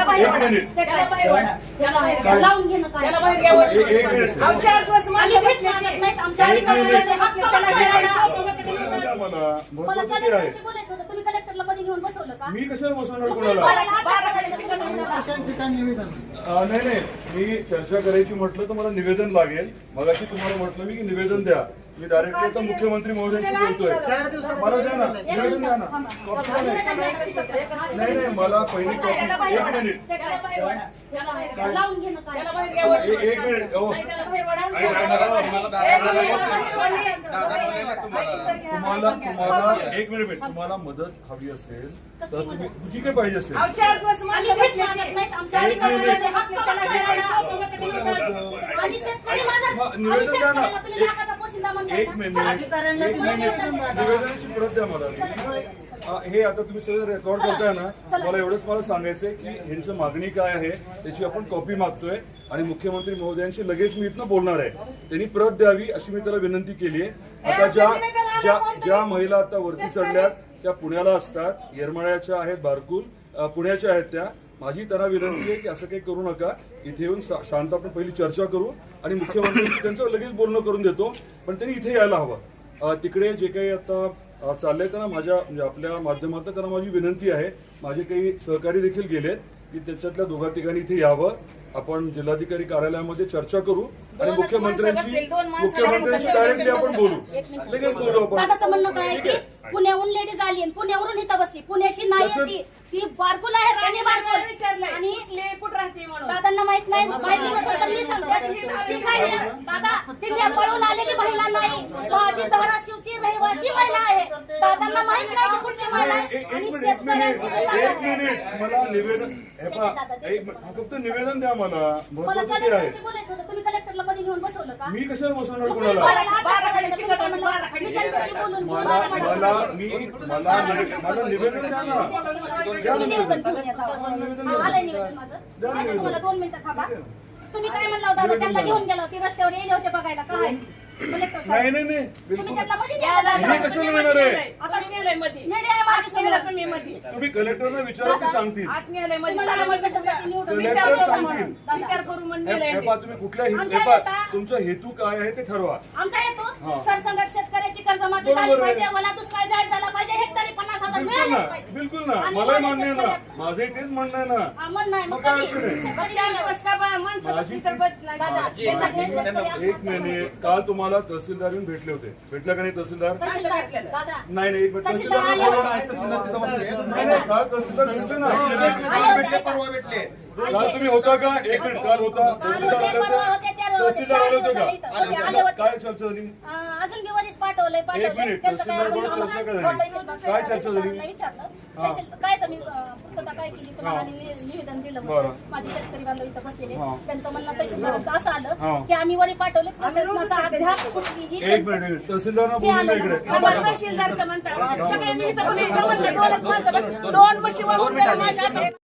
लावून घेणं काय तुम्ही कलेक्टरला मध्ये घेऊन बसवलं का? मी कशाला बसवणार कोणाला? नाही नाही, मी चर्चा करायची म्हटलं तर मला निवेदन लागेल. मगाशी तुम्हाला म्हटलं मी की निवेदन द्या. मी डायरेक्टली आता मुख्यमंत्री महोदयांशी बोलतोय. मला द्या ना, निवेदन द्या ना. कॉपी नाही नाही, मला पहिली कॉपी. एक मिनिट, लावून घेणं काय एक मिनिट. तुम्हाला एक मिनिट, तुम्हाला मदत हवी असेल तर तुम्ही जी काही पाहिजे असेल निवेदन द्या ना. एक मिनिट निवेदनाची परत द्या मला. हे आता तुम्ही सगळं रेकॉर्ड करताय ना, मला एवढंच मला सांगायचंय की ह्यांची मागणी काय आहे त्याची आपण कॉपी मागतोय आणि मुख्यमंत्री महोदयांशी लगेच मी इथनं बोलणार आहे. त्यांनी प्रत द्यावी अशी मी त्याला विनंती केली आहे. आता ज्या महिला आता वरती चढल्यात त्या पुण्याला असतात, येरमाळ्याच्या आहेत, बारकुल पुण्याच्या आहेत. त्या माझी त्यांना विनंती आहे की असं काही करू नका. इथे येऊन शांत आपण पहिली चर्चा करू आणि मुख्यमंत्री त्यांचं लगेच बोलणं करून देतो. पण त्यांनी इथे यायला हवं. तिकडे जे काही आता चाललंय त्यांना माझ्या म्हणजे आपल्या माध्यमातून त्यांना माझी विनंती आहे. माझे काही सहकारी देखील गेलेत की त्याच्यातल्या दोघा तिघांनी इथे यावं. आपण जिल्हाधिकारी कार्यालयामध्ये चर्चा करू आणि मुख्यमंत्र्यांशी डायरेक्टली आपण बोलू. लगेच बोलू आपण. दादाचं म्हणणं काय आहे की पुण्याहून लेडीज आली आणि पुण्यावरून इथं बसली. पुण्याची नाही ती बारकुल आहे, राणी बारकुल विचारलं आणि कुठं राहते म्हणून दादांना माहित नाही. माहिती नसेल तर मी सांगते. दादा ती पळून आलेली महिला नाही, माझी धाराशिवची रहिवासी महिला आहे. दादांना माहित नाही की कुठची महिला आहे आणि शेतकऱ्यांची एक मिनिट मला निवेदन फक्त निवेदन द्या. मला महत्वाचं आहे. तुम्ही कलेक्टरला मध्ये घेऊन बसवलं का? मी कशाला बसवणार कोणाला? मला निवेदन द्या ना. तुम्हाला 2 मिनिटं थांबा. तुम्ही काय म्हणला होता? त्यांना घेऊन गेला होती, रस्त्यावर येले होते बघायला काय कलेक्टर साहेब. नाही नाही नाही, तुम्ही त्यांना मध्ये कशाला येणार आहे? तुम्ही कलेक्टरला विचारा ते सांगतील. तुम्ही कुठल्या तुमचा हेतू काय आहे ते ठरवा. आमचा हेतू सरसंघट शेतकऱ्याची कर्जमाफी झाली पाहिजे, मला दुष्काळ जाहीर झाला पाहिजे, हेक्टरी 50,000 मिळाले पाहिजे. बिलकुल ना, मलाही मान्य आहे ना, माझंही तेच म्हणणं आहे ना. मग काय अडचण आहे? एक मिनिट, काल तुम्हाला तहसीलदार येऊन भेटले होते, भेटला का नाही तहसीलदार? नाही नाही, तहसीलदार काल तहसीलदार भेटले ना, काल तुम्ही होता का? एक मिनिट, काल होता तहसीलदार आले होते, तहसीलदार आले होते का? काय चर्चा झाली? अजून बी वरीस पाठवलंय. एक मिनिट, तहसीलदार बरोबर चर्चा काय झाली? काय चर्चा झाली? काय तुम्ही पूर्तता काय केली तुम्हाला निवेदन दिलं. माझे शेतकरी बांधव इथं बसलेले, त्यांचं म्हणणं तहसीलदारांचं असं आलं की आम्ही वरी पाठवले, प्रशासनाचा अद्याप कुठलीही. एक मिनिट, तहसीलदार बोलू इकडे. तहसीलदार म्हणतात सगळ्यांनी इथं 2 म्हशी